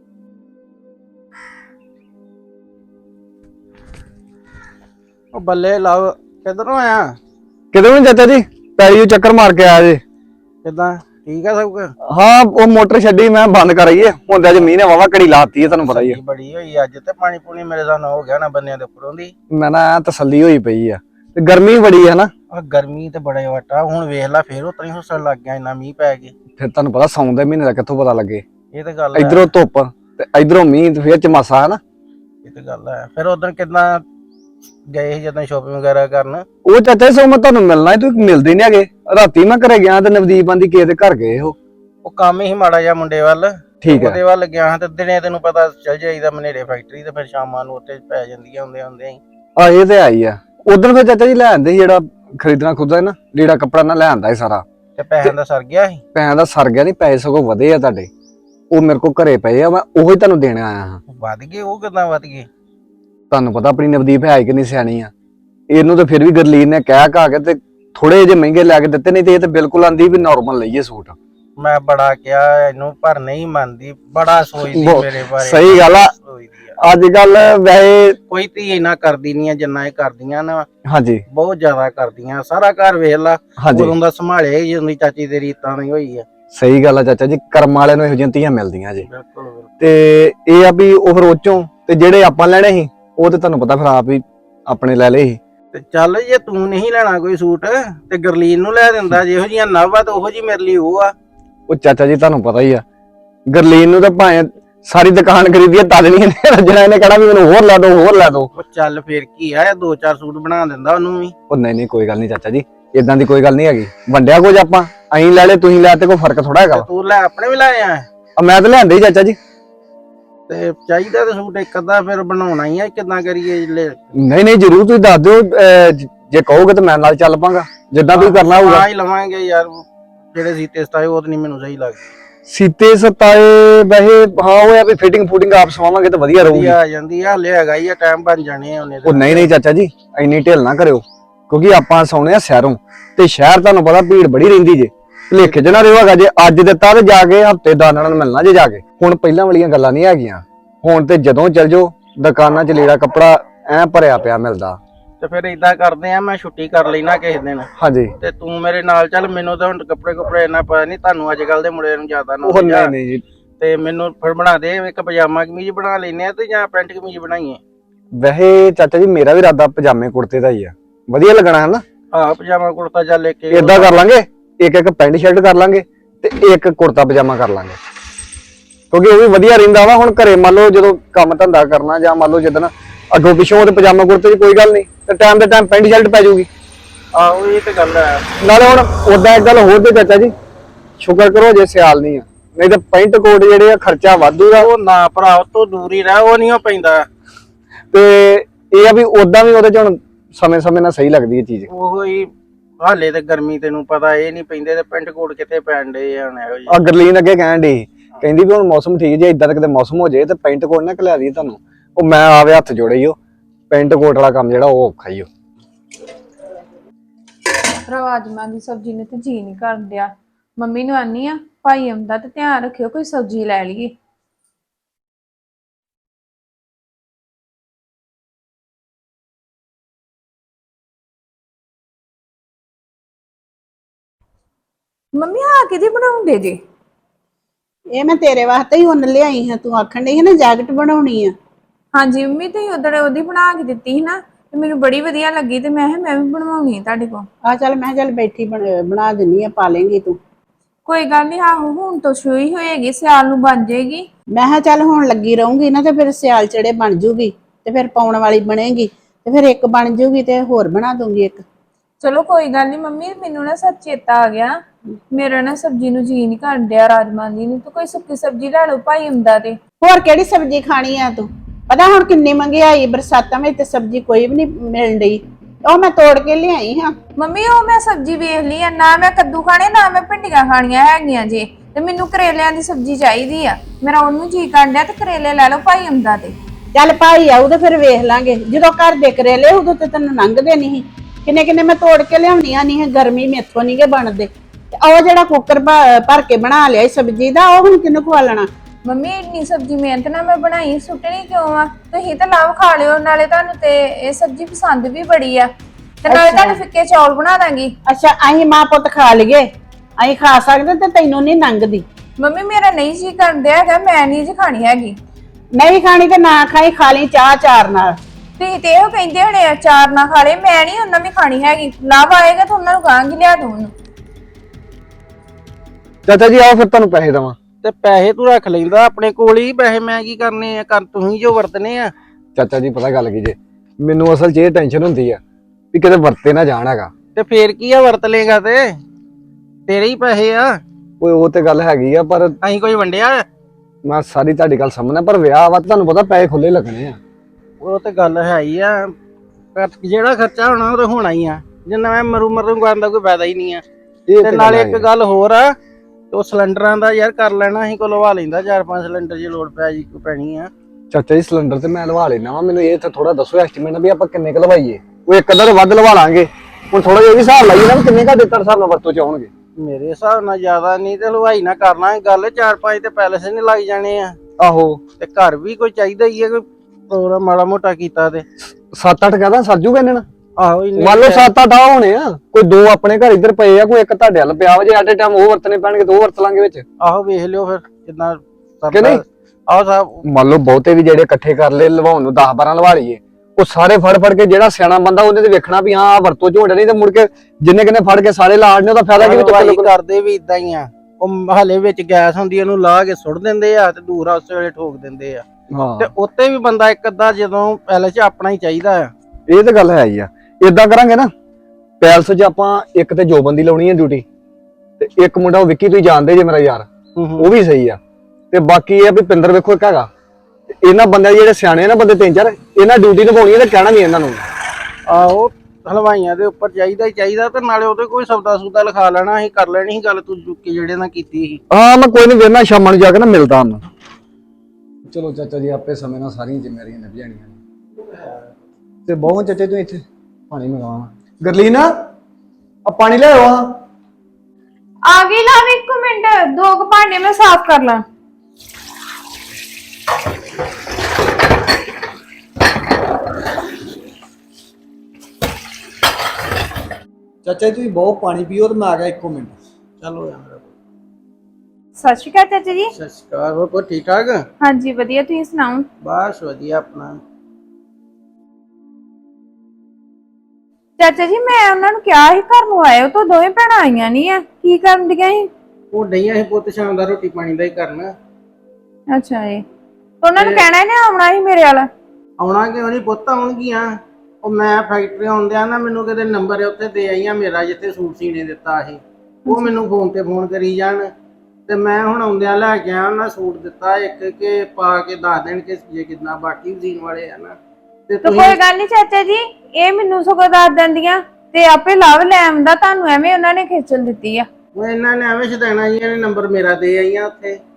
E: ਉਹ ਬੱਲੇ ਲਵ ਕਿੱਧਰੋਂ ਆਇਆ?
C: ਕਿਤੇ ਵੀ ਨੀ ਚਾਚਾ ਜੀ, ਪੈਰੀ ਨੂੰ ਚੱਕਰ ਮਾਰ ਕੇ ਆਇਆ ਜੇ।
E: ਕਿੱਦਾਂ ਠੀਕ ਆ ਸਭ ਕੁਝ?
C: ਹਾਂ ਉਹ ਮੋਟਰ ਛੱਡੀ ਮੈਂ ਬੰਦ ਕਰਾਈਏ, ਹੁਣ ਤੇ ਅੱਜ ਮੀਂਹ ਨੇ ਵਾਵਾ ਘੜੀ ਲਾਤੀ ਹੈ, ਤੁਹਾਨੂੰ ਪਤਾ ਹੀ ਹੈ।
E: ਸਰਦੀ ਬੜੀ ਹੋਈ ਅੱਜ, ਤੇ ਪਾਣੀ ਪੂਣੀ ਮੇਰੇ ਦਾ ਨਾ ਹੋ ਗਿਆ ਨਾ ਬੰਨਿਆਂ ਦੇ ਉੱਪਰੋਂ ਦੀ।
C: ਮੈਂ ਨਾ ਐਂ ਤਸੱਲੀ ਹੋਈ ਪਈ ਆ, ਤੇ ਗਰਮੀ ਬੜੀ ਹੈ ਨਾ।
E: ਆ ਗਰਮੀ ਤੇ ਬੜੇ ਵਟਾ, ਹੁਣ ਵੇਖ ਲੈ ਫੇਰ ਉਤਰੀ ਹੁਸਣ ਲੱਗ ਗਿਆ, ਇੰਨਾ ਮੀਂਹ ਪੈ ਗਿਆ।
C: ਫਿਰ ਤੁਹਾਨੂੰ ਪਤਾ ਸੌਣ ਦੇ ਮਹੀਨੇ ਦਾ ਕਿੱਥੋਂ ਪਤਾ ਲੱਗੇ,
E: ਇਹ ਤੇ ਗੱਲ ਹੈ।
C: ਇਧਰੋਂ ਧੁੱਪ ਤੇ ਇਧਰੋਂ ਮੀਂਹ ਤੇ ਫੇਰ ਚਮਾਸਾ ਹੈ ਨਾ।
E: ਇਹ ਤੇ ਗੱਲ ਹੈ। ਫਿਰ ਉਦੋਂ ਕਿੱਦਾਂ ਗਏ ਸੀ ਜਦੋਂ ਸ਼ੋਪਿੰਗ ਵਗੈਰਾ ਕਰਨ?
C: ਉਹ ਚਾਚਾ ਸੋ ਮੈਂ ਤੁਹਾਨੂੰ ਮਿਲਣਾ ਸੀ, ਤੁਸੀਂ ਮਿਲਦੇ ਨਹੀਂ ਹੈਗੇ। ਰਾਤੀ ਮੈਂ ਘਰੇ ਗਿਆ ਤੇ ਨਵਦੀਪ ਆਂਦੀ ਕਿਸੇ ਦੇ ਘਰ ਗਏ ਉਹ
E: ਉਹ ਕੰਮ ਹੀ ਮਾੜਾ ਜਿਹਾ ਮੁੰਡੇ ਵੱਲ,
C: ਠੀਕ ਹੈ।
E: ਉਹਦੇ ਵੱਲ ਗਿਆ ਹਾਂ ਤੇ ਦਿਨੇ ਤੈਨੂੰ ਪਤਾ ਚੱਲ ਜਾਈਦਾ ਮਨੇਰੇ ਫੈਕਟਰੀ, ਤੇ ਫਿਰ ਸ਼ਾਮਾਂ ਨੂੰ ਉੱਥੇ ਪੈ ਜਾਂਦੀਆਂ ਹੁੰਦੇ ਹੁੰਦੇ ਹੀ।
C: ਆ ਇਹ ਤੇ ਆਈ ਆ। ਉਧਰ ਫਿਰ ਚਾਚਾ ਜੀ ਲੈ ਆਂਦੇ ਸੀ, ਜਿਹੜਾ ਖਰੀਦਣਾ ਖੁਦਾ ਨਾ ਲੀੜਾ ਕੱਪੜਾ ਨਾ ਲੈ ਆਂਦਾ ਸੀ ਸਾਰਾ।
E: ਤੇ ਪੈਸਿਆਂ ਦਾ ਸਰ ਗਿਆ ਸੀ?
C: ਪੈਸਿਆਂ ਦਾ ਸਰ ਗਿਆ ਨਹੀਂ, ਪੈਸੇ ਸਗੋਂ ਵਧੇ ਆ ਤੁਹਾਡੇ। ਉਹ ਮੇਰੇ ਕੋਲ ਘਰੇ ਪਏ ਆ, ਮੈਂ ਉਹੀ ਤੁਹਾਨੂੰ ਦੇਣ ਆਇਆ ਹਾਂ।
E: ਵੱਧ ਗਏ? ਉਹ ਕਿੱਦਾਂ ਵੱਧ ਗਏ?
C: ਤੁਹਾਨੂੰ ਪਤਾ ਆਪਣੀ ਨਵਦੀਪ ਹੈ ਕਿੰਨੀ ਸਿਆਣੀ ਆ, ਇਹਨੂੰ ਤੇ ਫਿਰ ਵੀ ਗਰਲੀਨ ਨੇ ਕਹਿ ਕਹਾ ਕੇ ਤੇ ਥੋੜੇ ਜਿਹੇ ਮਹਿੰਗੇ ਲੈ ਕੇ ਦਿੱਤੇ, ਨਹੀਂ ਤੇ ਇਹ ਤੇ ਬਿਲਕੁਲ ਆਂਦੀ ਵੀ ਨਾਰਮਲ ਲਈਏ ਸੂਟ।
E: ਮੈਂ ਬੜਾ ਕਿਹਾ ਇਹਨੂੰ ਪਰ ਨਹੀਂ ਮੰਨਦੀ, ਬੜਾ ਸੋਚਦੀ
C: ਬਹੁਤ
E: ਮੇਰੇ ਬਾਰੇ।
C: ਸਹੀ ਗੱਲ ਆ।
E: ਸੋਚਦੀ ਆ।
C: ਅੱਜ ਕੱਲ ਵੈਸੇ
E: ਕੋਈ ਧੀ ਇੰਨਾ ਕਰਦੀ ਨਹੀਂ ਆ ਜਿੰਨਾ ਇਹ ਕਰਦੀਆਂ ਨਾ,
C: ਹਾਂਜੀ
E: ਬਹੁਤ ਜ਼ਿਆਦਾ ਕਰਦੀਆਂ। ਸਾਰਾ ਘਰ ਵੇਖ ਲਾ,
C: ਹਾਂਜੀ
E: ਉਦੋਂ ਦਾ ਸੰਭਾਲਿਆ ਹੀ ਜਦੋਂ ਦੀ ਚਾਚੀ ਤੇਰੀ ਰੀਤਾਂ ਨਹੀਂ ਹੋਈ ਆ।
C: ਸਹੀ ਗੱਲ ਆ ਚਾਚਾ ਜੀ, ਕਰਮ ਵਾਲਿਆਂ ਨੂੰ ਇਹੋ ਜਿਹੀਆਂ ਧੀਆਂ ਮਿਲਦੀਆਂ ਜੀ।
E: ਬਿਲਕੁਲ ਬਿਲਕੁਲ।
C: ਤੇ ਇਹ ਆ ਵੀ ਉਹ ਫਿਰ ਉੱਚੋਂ ਤੇ ਜਿਹੜੇ ਆਪਾਂ ਲੈਣੇ ਸੀ ਉਹ ਤੇ ਤੁਹਾਨੂੰ ਪਤਾ ਫਿਰ ਆਪ ਹੀ ਆਪਣੇ ਲੈ ਲਏ ਸੀ।
E: ਤੇ ਚੱਲ ਜੇ ਤੂੰ ਨਹੀਂ ਲੈਣਾ ਕੋਈ ਸੂਟ ਤੇ ਗਰਲੀਨ ਨੂੰ ਲੈ ਦਿੰਦਾ, ਜਿਹੋ ਜੀਆਂ ਨਵ ਆ ਤੇ ਉਹੋ ਜੀ ਮੇਰੇ ਲਈ ਉਹ ਆ।
C: ਉਹ ਚਾਚਾ ਜੀ ਤੁਹਾਨੂੰ ਪਤਾ ਹੀ ਆ, ਗਰਲੀਨ ਨੂੰ ਤਾਂ ਭਾਵੇਂ ਸਾਰੀ ਦੁਕਾਨ ਖਰੀਦੀ ਆ ਤਦ ਨਹੀਂ ਇਹਨੇ ਰੱਜਣਾ, ਇਹਨੇ ਕਹਿਣਾ ਵੀ ਮੈਨੂੰ ਹੋਰ ਲੈ ਦੋ ਹੋਰ ਲੈ ਦੋ।
E: ਉਹ ਚੱਲ ਫੇਰ ਕੀ ਆ, ਦੋ ਚਾਰ ਸੂਟ ਬਣਾ ਦਿੰਦਾ ਉਹਨੂੰ ਵੀ।
C: ਉਹ ਨਹੀਂ ਨਹੀਂ ਕੋਈ ਗੱਲ ਨਹੀਂ ਚਾਚਾ ਜੀ, ਇਦਾਂ ਦੀ ਕੋਈ ਗੱਲ ਨਹੀਂ ਹੈਗੀ। ਵੰਡਿਆ ਕੁਝ ਆਪਾਂ, ਅਸੀਂ ਲੈ ਲੈ ਤੁਸੀਂ ਲੈ, ਤੇ ਕੋਈ ਫਰਕ ਥੋੜਾ ਹੈਗਾ ਵਾ।
E: ਤੂੰ ਲੈ ਆਪਣੇ ਵੀ ਲੈ ਆ।
C: ਆ ਮੈਂ ਤਾਂ ਲਿਆਂਦੇ ਹੀ ਚਾਚਾ ਜੀ।
E: ਤੇ ਚਾਹੀਦਾ ਤੇ ਸੂਟ ਇੱਕ ਅੱਧਾ ਫਿਰ ਬਣਾਉਣਾ ਹੀ ਆ, ਕਿੱਦਾਂ ਕਰੀਏ? ਲੈ
C: ਨਹੀਂ ਨਹੀਂ ਜ਼ਰੂਰ ਤੁਸੀਂ ਦੱਸ ਦਿਓ, ਅਹ, ਜ- ਜੇ ਕਹੋਗੇ ਤਾਂ ਮੈਂ ਨਾਲ ਚੱਲ ਪਾਂਗਾ, ਜਿੱਦਾਂ ਤੁਸੀਂ ਕਰਨਾ ਹੋਊਗਾ।
E: ਹਾਂ ਹੀ ਲਵਾਂਗੇ ਯਾਰ, ਜਿਹੜੇ ਸੀਤੇ ਸਤਾਏ ਉਹ ਤਾਂ ਨਹੀਂ ਮੈਨੂੰ ਸਹੀ ਲੱਗਦੇ।
C: ਸੀਤੇ ਸਤਾਏ ਵੈਸੇ ਹਾਂ ਉਹ ਆ ਵੀ ਫਿਟਿੰਗ ਫੂਟਿੰਗ ਆਪ ਸਵਾਵਾਂਗੇ ਤਾਂ ਵਧੀਆ ਰਹੂਗੀ।
E: ਆ ਜਾਂਦੀ ਆ, ਹਲੇ ਹੈਗਾ ਹੀ ਆ ਟਾਈਮ, ਬਣ ਜਾਣੇ ਆ ਉਹਨੇ।
C: ਉਹ ਨਹੀਂ ਨਹੀਂ ਚਾਚਾ ਜੀ ਇੰਨੀ ਢਿੱਲ ਨਾ ਕਰਿਓ, ਕਿਉਂਕਿ ਆਪਾਂ ਸੌਣੇ ਆ ਸ਼ਹਿਰੋਂ, ਤੇ ਸ਼ਹਿਰ ਤੁਹਾਨੂੰ ਪਤਾ ਭੀੜ ਬੜੀ ਰਹਿੰਦੀ ਜੇ। ਭੁਲੇਖੇ ਚ ਨਾ ਰਹੋ ਹੈਗਾ, ਜੇ ਅੱਜ ਦਿੱਤਾ ਤੇ ਜਾ ਕੇ ਹਫਤੇ ਦਸ ਦਿਨਾਂ ਨੂੰ ਮਿਲਣਾ ਜੇ ਜਾ ਕੇ। ਹੁਣ ਪਹਿਲਾਂ ਵਾਲੀਆਂ ਗੱਲਾਂ ਨਹੀਂ ਹੈਗੀਆਂ, ਹੁਣ ਤੇ ਜਦੋਂ ਚੱਲ ਜਾਓ ਦੁਕਾਨਾਂ 'ਚ ਲੀੜਾ ਕੱਪੜਾ ਐ ਭਰਿਆ ਪਿਆ ਮਿਲਦਾ।
E: ਤੇ ਫਿਰ ਇਦਾਂ ਕਰਦੇ ਆ, ਮੈਂ ਛੁੱਟੀ ਕਰ ਲੈਣਾ ਕਿਸੇ ਦਿਨ
C: ਹਾਂਜੀ
E: ਤੇ ਤੂੰ ਮੇਰੇ ਨਾਲ ਚੱਲ। ਮੈਨੂੰ ਤਾਂ ਹੁਣ ਕੱਪੜੇ ਕੁਪੜੇ ਇੰਨਾ ਪਤਾ ਨਹੀਂ, ਤੁਹਾਨੂੰ ਅੱਜ ਕੱਲ ਦੇ ਮੁੰਡਿਆਂ ਨੂੰ ਜ਼ਿਆਦਾ
C: ਉਹ
E: knowledge ਆ।
C: ਨਹੀਂ ਨਹੀਂ ਜੀ,
E: ਤੇ ਮੈਨੂੰ ਫਿਰ ਬਣਾ ਦੇ ਇੱਕ ਪਜਾਮਾ ਕਮੀਜ਼ ਬਣਾ ਲੈਨੇ ਆ, ਤੇ ਜਾਂ ਪੈਂਟ ਕਮੀਜ਼ ਬਣਾਈਏ।
C: ਵੈਸੇ ਚਾਚਾ ਜੀ ਮੇਰਾ ਵੀ ਇਰਾਦਾ ਪਜਾਮੇ ਕੁੜਤੇ ਦਾ ਹੀ ਆ, ਵਧੀਆ ਲੱਗਣਾ ਹੈ ਨਾ।
E: ਆਹ ਪਜਾਮਾ ਕੁੜਤਾ ਚੱਲ ਇੱਕ
C: ਏਦਾਂ ਕਰ ਲਾਂਗੇ, ਇੱਕ ਇੱਕ ਪੈਂਟ ਸ਼ਰਟ ਕਰ ਲਾਂਗੇ ਤੇ ਇੱਕ ਕੁੜਤਾ ਪਜਾਮਾ ਕਰ ਲਾਂਗੇ, ਕਿਉਂਕਿ ਉਹ ਵੀ ਵਧੀਆ ਰਹਿੰਦਾ ਵਾ। ਹੁਣ ਘਰੇ ਮੰਨ ਲਓ ਜਦੋਂ ਕੰਮ ਧੰਦਾ ਕਰਨਾ, ਜਾਂ ਮੰਨ ਲਓ ਜਿੱਦਣ ਅੱਗੋਂ ਪਿੱਛੋਂ ਤੇ ਪਜਾਮਾ ਕੁੜਤੇ 'ਚ ਕੋਈ ਗੱਲ ਨਹੀਂ, ਤੇ ਟਾਈਮ ਦੇ ਟਾਈਮ ਪੈਂਟ ਸ਼ਰਟ ਪੈ ਜਾਊਗੀ।
E: ਆਹੋ ਇਹ ਤੇ ਗੱਲ ਹੈ।
C: ਨਾਲੇ ਹੁਣ ਉਦਾਂ ਇੱਕ ਗੱਲ ਹੋਰ ਤੇ ਚਾਚਾ ਜੀ, ਸ਼ੁਕਰ ਕਰੋ ਜੇ ਸਿਆਲ ਨਹੀਂ ਆ, ਨਹੀਂ ਤੇ ਪੈਂਟ ਕੋਟ ਜਿਹੜੇ ਆ ਖਰਚਾ ਵਾਧੂ ਦਾ।
E: ਉਹ ਨਾ ਭਰਾ, ਉਹ ਤੋਂ ਦੂਰ ਹੀ ਰਹਿ, ਉਹ ਨਹੀਂ ਉਹ ਪੈਂਦਾ।
C: ਤੇ ਇਹ ਆ ਵੀ ਉਦਾਂ ਵੀ ਉਹਦੇ 'ਚ ਹੁਣ ਸਮੇਂ ਸਮੇਂ ਨਾਲ ਸਹੀ ਲੱਗਦੀ ਹੈ ਚੀਜ਼।
E: ਉਹੋ ਹੀ ਹਾਲੇ ਤੇ ਗਰਮੀ ਤੈਨੂੰ ਪਤਾ ਇਹ ਨਹੀਂ ਪੈਂਦੇ, ਤੇ ਪੈਂਟ ਕੋਟ ਕਿੱਥੇ ਪੈਣ ਡੇ ਆ ਹੁਣ ਇਹੋ ਜਿਹੇ।
C: ਆ ਗਰਲੀਨ ਅੱਗੇ ਕਹਿਣ ਡਈ, ਕਹਿੰਦੀ ਵੀ ਹੁਣ ਮੌਸਮ ਠੀਕ ਜੇ, ਇਦਾਂ ਦਾ ਕਿਤੇ ਮੌਸਮ ਹੋ ਜਾਏ ਤੇ ਪੈਂਟ ਕੋਟ ਨਾ ਖਿਲਾ ਦੀ ਤੁਹਾਨੂੰ। ਉਹ ਮੈਂ ਆਵੇ ਹੱਥ ਜੋੜੇ ਹੀ, ਉਹ ਪੈਂਟ ਕੋਟ ਵਾਲਾ ਕੰਮ ਜਿਹੜਾ ਉਹ ਔਖਾ ਹੀ ਉਹ।
B: ਰਾਜਮਾਂ ਦੀ ਸਬਜ਼ੀ ਨੇ ਤੇ ਜੀ ਨਹੀਂ ਕਰਨ ਡਿਆ। ਮੰਮੀ ਨੂੰ ਆਨੀ ਆ ਭਾਈ ਆਉਂਦਾ ਤੇ ਧਿਆਨ ਰੱਖਿਓ, ਕੋਈ ਸਬਜ਼ੀ ਲੈ ਲਈਏ। ਮੰਮੀ ਆ ਕਿਹਦੀ ਬਣਾਉਂਦੇ ਜੀ?
A: ਇਹ ਮੈਂ ਤੇਰੇ ਵਾਸਤੇ ਹੀ ਉਹਨ ਲਿਆਈ ਹਾਂ, ਤੂੰ ਆਖਣ ਡਈ ਹੈ ਨਾ ਜੈਕਟ ਬਣਾਉਣੀ ਆ।
B: ਹਾਂਜੀ ਮੰਮੀ, ਤੁਸੀਂ ਉਦੋਂ ਉਹਦੀ ਬਣਾ ਕੇ ਦਿੱਤੀ ਸੀ ਨਾ, ਤੇ ਮੈਨੂੰ ਬੜੀ ਵਧੀਆ ਲੱਗੀ, ਤੇ ਮੈਂ ਕਿਹਾ ਮੈਂ ਵੀ ਬਣਵਾਉਣੀ ਹੈ ਤੁਹਾਡੇ ਕੋਲ।
A: ਆ ਚੱਲ ਮੈਂ ਕਿਹਾ ਚੱਲ ਬੈਠੀ ਬਣ- ਬਣਾ ਦਿੰਨੀ ਆ, ਪਾ ਲੇਂਗੀ ਤੂੰ।
B: ਕੋਈ ਗੱਲ ਨਹੀਂ, ਆਹੋ ਹੁਣ ਤੋਂ ਸੂਈ ਹੋਏਗੀ, ਸਿਆਲ ਨੂੰ ਬਣ ਜਾਏਗੀ।
A: ਮੈਂ ਕਿਹਾ ਚੱਲ ਹੁਣ ਲੱਗੀ ਰਹੂੰਗੀ ਨਾ ਤੇ ਫਿਰ ਸਿਆਲ ਚੜੇ ਬਣ ਜੂਗੀ ਤੇ ਫਿਰ ਪਾਉਣ ਵਾਲੀ ਬਣੇਗੀ ਤੇ ਫਿਰ ਇੱਕ ਬਣ ਜੂਗੀ ਤੇ ਹੋਰ ਬਣਾ ਦੂੰਗੀ ਇੱਕ।
B: ਚਲੋ ਕੋਈ ਗੱਲ ਨਹੀਂ ਮੰਮੀ, ਮੈਨੂੰ ਨਾ ਸੱਚ ਚੇਤਾ ਆ ਗਿਆ, ਮੇਰਾ ਨਾ ਸਬਜ਼ੀ ਨੂੰ ਜੀ ਨਹੀਂ ਕਰਨ ਡਿਆ ਰਾਜਮਾਂਹ ਦੀ ਨੂੰ, ਤੇ ਕੋਈ ਸੁੱਕੀ ਸਬਜ਼ੀ ਲੈ ਲਓ ਭਾਈ ਹੁੰਦਾ ਤੇ।
A: ਹੋਰ ਕਿਹੜੀ ਸਬਜ਼ੀ ਖਾਣੀ ਆ ਤੂੰ? ਪਤਾ ਹੁਣ ਕਿੰਨੀ ਮਹਿੰਗਾਈ, ਬਰਸਾਤਾਂ ਵਿੱਚ ਤੇ ਸਬਜ਼ੀ ਕੋਈ ਵੀ ਨਹੀਂ ਮਿਲਣ ਡਈ। ਉਹ ਮੈਂ ਤੋੜ ਕੇ ਲਿਆਈ ਹਾਂ।
B: ਮੰਮੀ ਉਹ ਮੈਂ ਸਬਜ਼ੀ ਵੇਖ ਲਈ ਆ, ਨਾ ਮੈਂ ਕੱਦੂ ਖਾਣੇ ਨਾ ਮੈਂ ਭਿੰਡੀਆਂ ਖਾਣੀਆਂ ਹੈਗੀਆਂ ਜੇ, ਤੇ ਮੈਨੂੰ ਕਰੇਲਿਆਂ ਦੀ ਸਬਜ਼ੀ ਚਾਹੀਦੀ ਆ। ਮੇਰਾ ਉਹਨੂੰ ਜੀ ਕਰਨ ਡਿਆ, ਤੇ ਕਰੇਲੇ ਲੈ ਲਓ ਭਾਈ ਹੁੰਦਾ ਤੇ।
A: ਚੱਲ ਭਾਈ ਆਊ ਤੇ ਫਿਰ ਵੇਖ ਲਾਂਗੇ, ਜਦੋਂ ਘਰ ਦੇ ਕਰੇਲੇ ਉਦੋਂ ਤੇ ਤੈਨੂੰ ਲੰਘਦੇ ਨਹੀਂ। ਕਿੰਨੇ ਕਿੰਨੇ ਮੈਂ ਤੋੜ ਕੇ ਲਿਆਉਣੀਆਂ ਨਹੀਂ, ਗਰਮੀ ਮੇਥੋਂ ਨਹੀਂ ਗੇ ਬਣਦੇ। ਤੇ ਉਹ ਜਿਹੜਾ ਕੁੱਕਰ ਭਰ ਕੇ ਬਣਾ ਲਿਆ ਸਬਜ਼ੀ ਦਾ, ਉਹ ਹੁਣ ਕਿਹਨੂੰ ਖਵਾ ਲੈਣਾ?
B: ਮੰਮੀ ਇੰਨੀ ਸਬਜ਼ੀ ਮਿਹਨਤ ਨਾਲ ਮੈਂ ਬਣਾਈ, ਸੁੱਟਣੀ ਕਿਉਂ ਆ? ਤੁਸੀਂ ਤਾਂ ਲਾਭ ਖਾ ਲਿਓ, ਨਾਲੇ ਤੁਹਾਨੂੰ ਤੇ ਇਹ ਸਬਜ਼ੀ ਪਸੰਦ ਵੀ ਬੜੀ ਆ, ਤੇ ਨਾਲੇ ਤੁਹਾਨੂੰ ਫਿੱਕੇ ਚੌਲ ਬਣਾ ਦਾਂਗੀ।
A: ਅੱਛਾ, ਅਸੀਂ ਮਾਂ ਪੁੱਤ ਖਾ ਲਈਏ, ਅਸੀਂ ਖਾ ਸਕਦੇ ਤੇ ਤੈਨੂੰ ਨਹੀਂ ਲੰਘਦੀ।
B: ਮੰਮੀ ਮੇਰਾ ਨਹੀਂ ਜੀ ਕਰਨ ਹੈਗਾ, ਮੈਂ ਨਹੀਂ ਜੀ ਖਾਣੀ ਹੈਗੀ।
A: ਨਹੀਂ ਖਾਣੀ ਤੇ ਨਾ ਖਾਈ, ਖਾ ਲਈ ਚਾਹ ਚਾਰ ਨਾਲ।
B: ਤੁਸੀਂ ਤੇ ਇਹੋ ਕਹਿੰਦੇ ਹੋਣੇ ਆ ਚਾਰ ਨਾ ਖਾ ਲੇ, ਮੈਂ ਨਹੀਂ ਉਹਨਾਂ ਵੀ ਖਾਣੀ ਹੈਗੀ। ਲਾਭ ਆਏਗਾ ਤਾਂ ਉਹਨਾਂ ਨੂੰ ਕਹਾਂਗੀ ਲਿਆ ਦੋ ਉਹਨੂੰ।
C: ਚਾਚਾ ਜੀ ਆਓ ਫਿਰ ਤੁਹਾਨੂੰ ਪੈਸੇ ਦੇਵਾਂ।
E: ਤੇ ਪੈਸੇ ਤੂੰ ਰੱਖ ਲੈਂਦਾ ਆਪਣੇ ਕੋਲ ਹੀ, ਪੈਸੇ ਮੈਂ ਕੀ ਕਰਨੇ ਆ? ਕਰ ਤੂੰ ਹੀ ਜੋ ਵਰਤਨੇ ਆ।
C: ਚਾਚਾ ਜੀ ਪਤਾ ਗੱਲ ਕੀ ਜੇ, ਮੈਨੂੰ ਅਸਲ 'ਚ ਇਹ ਟੈਨਸ਼ਨ ਹੁੰਦੀ ਆ ਵੀ ਕਿਤੇ ਵਰਤੇ ਨਾ ਜਾਣ ਹੈਗਾ।
E: ਤੇ ਫੇਰ ਕੀ ਆ, ਵਰਤ ਲੇਗਾ ਤੇ ਤੇਰੇ ਹੀ ਪੈਸੇ ਆ।
C: ਓਏ ਉਹ ਤੇ ਗੱਲ ਹੈਗੀ ਆ, ਪਰ
E: ਅਸੀਂ ਕੋਈ ਵੰਡਿਆ?
C: ਮੈਂ ਸਾਰੀ ਤੁਹਾਡੀ ਗੱਲ ਸਮਝਦਾ, ਪਰ ਵਿਆਹ ਵਾ ਤੁਹਾਨੂੰ ਪਤਾ ਪੈਸੇ ਖੁੱਲੇ ਲੱਗਣੇ ਆ।
E: ਉਹ ਤੇ ਗੱਲ ਹੈ ਹੀ ਆ, ਪਰ ਜਿਹੜਾ ਖਰਚਾ ਹੋਣਾ ਉਹ ਤਾਂ ਹੋਣਾ ਹੀ ਆ। ਜਿੰਨਾ ਮੈਂ ਮਰੂ ਮਰੂ ਕਰਨ ਦਾ ਕੋਈ ਫਾਇਦਾ ਹੀ ਨਹੀਂ ਆ। ਤੇ ਨਾਲੇ ਇੱਕ ਗੱਲ ਹੋਰ ਆ, ਉਹ ਸਿਲੰਡਰਾਂ ਦਾ ਯਾਰ ਕਰ ਲੈਣਾ, ਅਸੀਂ ਕੋਲ ਲਵਾ ਲੈਂਦਾ ਚਾਰ ਪੰਜ ਸਿਲੰਡਰ ਜੇ ਲੋੜ ਪੈ ਜੀ ਪੈਣੀ ਆ।
C: ਚਾਚਾ ਜੀ ਸਿਲੰਡਰ ਤੇ ਮੈਂ ਲਵਾ ਲੈਣਾ ਵਾ, ਮੈਨੂੰ ਇਹ ਤਾਂ ਥੋੜਾ ਦੱਸੋ ਐਸਟੀਮੇਟ ਵੀ ਆਪਾਂ ਕਿੰਨੇ ਕ ਲਵਾਈਏ। ਉਹ ਇੱਕ ਅੱਧਾ ਵੱਧ ਲਵਾ ਲਾਂਗੇ, ਹੁਣ ਥੋੜਾ ਜਿਹਾ ਵੀ ਹਿਸਾਬ ਲਾਈਏ ਨਾ ਕਿੰਨੇ ਘੱਟ ਦਿੱਤਾ ਹਿਸਾਬ ਨਾਲ ਵਰਤੋਂ ਚ ਆਉਣਗੇ।
E: ਮੇਰੇ ਹਿਸਾਬ ਨਾਲ ਜ਼ਿਆਦਾ ਨਹੀਂ ਤੇ ਹਲਵਾਈ ਨਾ ਕਰ ਲਾਂਗੇ ਗੱਲ, ਚਾਰ ਪੰਜ ਤੇ ਪੈਲਸ ਨਹੀਂ ਲੱਗ ਜਾਣੇ ਆ।
C: ਆਹੋ
E: ਤੇ ਘਰ ਵੀ ਕੋਈ ਚਾਹੀਦਾ ਹੀ ਆ, ਕੋਈ ਪ੍ਰੋਗਰਾਮ ਮਾੜਾ ਮੋਟਾ ਕੀਤਾ ਤੇ
C: ਸੱਤ ਅੱਠ ਕਹਦਾ ਸਰਜੂ ਕਹਿੰਦੇ ਨਾ।
E: ਆਹੋ ਇੰਨੇ
C: ਮੰਨ ਲਓ ਸੱਤ ਅੱਠ ਆ ਹੋਣੇ ਆ, ਕੋਈ ਦੋ ਆਪਣੇ ਘਰ ਇੱਧਰ ਪਏ ਆ, ਕੋਈ ਇੱਕ ਤੁਹਾਡੇ ਵੱਲ ਪਿਆ ਵਾ, ਜੇ ਐਟ ਟਾਈਮ ਉਹ ਵਰਤਣੇ ਪੈਣਗੇ ਦੋ ਵਰਤ ਲਾਂਗੇ ਵਿੱਚ।
E: ਆਹੋ ਵੇਖ ਲਿਓ ਫਿਰ ਕਿੰਨਾ
C: ਕਿ ਨਹੀਂ?
E: ਆਹੋ ਸਾਹਿਬ
C: ਮੰਨ ਲਓ ਬਹੁਤੇ ਵੀ ਜਿਹੜੇ ਇਕੱਠੇ ਕਰ ਲਏ, ਲਵਾਉਣ ਨੂੰ ਦਸ ਬਾਰਾਂ ਲਵਾ ਲਈਏ, ਉਹ ਸਾਰੇ ਫੜ ਫੜ ਕੇ ਜਿਹੜਾ ਸਿਆਣਾ ਬੰਦਾ ਉਹਨੇ ਤੇ ਵੇਖਣਾ ਵੀ ਹਾਂ ਵਰਤੋਂ ਚ ਹੋਣਾ, ਨਹੀਂ ਤੇ ਮੁੜ ਕੇ ਜਿੰਨੇ ਕਿੰਨੇ ਫੜ ਕੇ ਸਾਰੇ ਲਾੜਨੇ ਉਹਦਾ ਫਾਇਦਾ ਕੀ?
E: ਹਲਵਾਈ ਕਰਦੇ ਵੀ ਇਦਾਂ ਹੀ ਆ, ਉਹ ਹਲੇ ਵਿੱਚ ਗੈਸ ਹੁੰਦੀ ਉਹਨੂੰ ਲਾ ਕੇ ਸੁੱਟ ਦਿੰਦੇ ਆ ਤੇ ਦੂਰ ਉਸੇ ਵੇਲੇ ਠੋਕ ਦਿੰਦੇ ਆ। ਤੇ ਉੱਤੇ ਵੀ ਬੰਦਾ ਇੱਕ ਅੱਧਾ ਜਦੋਂ ਪੈਲਸ ਚ ਆਪਣਾ ਹੀ ਚਾਹੀਦਾ ਆ।
C: ਇਹ ਤਾਂ ਗੱਲ ਹੈ ਹੀ ਆ। ਏਦਾਂ ਕਰਾਂਗੇ ਨਾ, ਪੈਲਸ ਚ ਆਪਾਂ ਇੱਕ ਤੇ ਜੋ ਬੰਦੀ ਲਾਉਣੀ ਹੈ ਡਿਊਟੀ, ਤੇ ਇੱਕ ਮੁੰਡਾ ਉਹ ਵਿੱਕੀ ਤੁਸੀਂ ਜਾਣਦੇ ਜੇ ਮੇਰਾ ਯਾਰ, ਉਹ ਵੀ ਸਹੀ ਆ। ਤੇ ਬਾਕੀ ਇਹ ਆ ਵੀ ਪਿੰਦਰ ਵੇਖੋ ਇੱਕ ਹੈਗਾ, ਇਹਨਾਂ ਬੰਦਿਆਂ ਜਿਹੜੇ ਸਿਆਣੇ ਨਾ ਬੰਦੇ ਤਿੰਨ ਚਾਰ, ਇਹਨਾਂ ਡਿਊਟੀ ਨਿਭਾਉਣੀ ਹੈ ਤੇ ਕਹਿਣਾ ਨਹੀਂ ਇਹਨਾਂ ਨੂੰ।
E: ਆਹੋ ਹਲਵਾਈਆਂ ਦੇ ਉੱਪਰ ਚਾਹੀਦਾ ਹੀ ਚਾਹੀਦਾ, ਤੇ ਨਾਲੇ ਉਹਦੇ ਕੋਈ ਸੌਦਾ ਸੂਦਾ ਲਿਖਾ ਲੈਣਾ, ਅਸੀਂ ਕਰ ਲੈਣੀ ਸੀ ਗੱਲ ਤੂੰ ਚੁੱਕੀ ਜਿਹੜੇ ਨਾਲ ਕੀਤੀ ਸੀ।
C: ਹਾਂ ਮੈਂ ਕੋਈ ਨਹੀਂ ਵੇਖਣਾ, ਸ਼ਾਮਾਂ ਨੂੰ ਜਾ ਕੇ ਨਾ ਮਿਲਦਾ ਉਹਨੂੰ। ਚਲੋ ਚਾਚਾ ਜੀ ਆਪੇ ਸਮੇਂ ਨਾਲ ਸਾਰੀਆਂ ਜ਼ਿੰਮੇਵਾਰੀਆਂ ਨਿਭ ਜਾਣੀਆਂ। ਤੇ ਬਹੁਤ ਚਾਚਾ ਤੂੰ ਇੱਥੇ ਪਾਣੀ ਮੰਗਵਾ ਗਰਲੀਨ, ਆ ਪਾਣੀ ਲੈ ਆਵਾ।
B: ਆ ਗਈ ਲਾਭ, ਇੱਕ ਮਿੰਟ, ਦੋ ਕੁ ਭਾਂਡੇ ਮੈਂ ਸਾਫ਼ ਕਰ ਲਾਂ।
C: ਚਾਚਾ ਜੀ ਤੁਸੀਂ ਬਹੁਤ ਪਾਣੀ ਪੀਓ ਤੇ ਮੈਂ ਆ ਗਿਆ ਇੱਕੋ ਮਿੰਟ।
E: ਚਲੋ ਯਾਰ
B: ਸਤਿ ਸ਼੍ਰੀ ਅਕਾਲ ਚਾਚਾ ਜੀ।
E: ਸਤਿ ਸ਼੍ਰੀ ਅਕਾਲ, ਹੋਰ ਠੀਕ ਠਾਕ?
B: ਹਾਂਜੀ ਵਧੀਆ, ਤੁਸੀਂ ਸੁਣਾਓ?
E: ਬਸ ਵਧੀਆ ਆਪਣਾ।
B: ਚਾਚਾ ਜੀ ਮੈਂ ਉਹਨਾਂ ਨੂੰ ਕਿਹਾ ਸੀ ਘਰ ਨੂੰ ਆਇਓ, ਤਾਂ ਦੋਵੇਂ ਭੈਣਾਂ ਆਈਆਂ ਨਹੀਂ ਆ, ਕੀ ਕਰਨ ਦੀਆਂ ਸੀ?
E: ਉਹ ਡਈਆਂ ਸੀ ਪੁੱਤ ਸ਼ਾਮ ਦਾ ਰੋਟੀ ਪਾਣੀ ਦਾ ਹੀ ਕਰਨਾ।
B: ਅੱਛਾ ਜੀ, ਉਹਨਾਂ ਨੂੰ ਕਹਿਣਾ ਹੀ ਨਾ ਆਉਣਾ ਸੀ ਮੇਰੇ ਵਾਲਾ।
E: ਆਉਣਾ ਕਿਉਂ ਨਹੀਂ ਪੁੱਤ, ਆਉਣਗੀਆਂ। ਉਹ ਮੈਂ ਫੈਕਟਰੀ ਆਉਂਦਿਆਂ ਨਾ ਮੈਨੂੰ ਕਿਤੇ ਨੰਬਰ ਉੱਥੇ ਦੇ ਆਈਆਂ ਮੇਰਾ, ਜਿੱਥੇ ਸੂਟ ਸੀਨੇ ਦਿੱਤਾ ਸੀ, ਉਹ ਮੈਨੂੰ ਫੋਨ ਤੇ ਫੋਨ ਕਰੀ ਜਾਣ, ਤੇ ਮੈਂ ਹੁਣ ਆਉਂਦਿਆਂ ਲੈ ਕੇ ਆਇਆ, ਉਹਨਾਂ ਸੂਟ ਦਿੱਤਾ ਇੱਕ ਕਿ ਪਾ ਕੇ ਦੱਸ ਦੇਣ ਕਿ ਜੇ ਕਿੰਨਾ, ਬਾਕੀ ਵੀ ਸੀਨ ਵਾਲੇ ਆ ਨਾ। ਤੇ
B: ਤਾਂ ਕੋਈ ਗੱਲ ਨਹੀਂ ਚਾਚਾ ਜੀ, ਇਹ ਮੈਨੂੰ ਸਗੋਂ ਦੱਸ ਦਿੰਦੀਆਂ ਤੇ ਆਪੇ ਲਾਭ ਲੈ ਆਉਂਦਾ, ਤੁਹਾਨੂੰ ਐਵੇਂ ਉਹਨਾਂ ਨੇ ਖੇਚਲ ਦਿੱਤੀ ਆ।
E: ਉਹ ਇਹਨਾਂ ਨੇ ਐਵੇਂ ਛਡਾਣਾ ਜੀ, ਇਹਨੇ ਨੰਬਰ ਮੇਰਾ ਦੇ ਆਈਆਂ ਉੱਥੇ।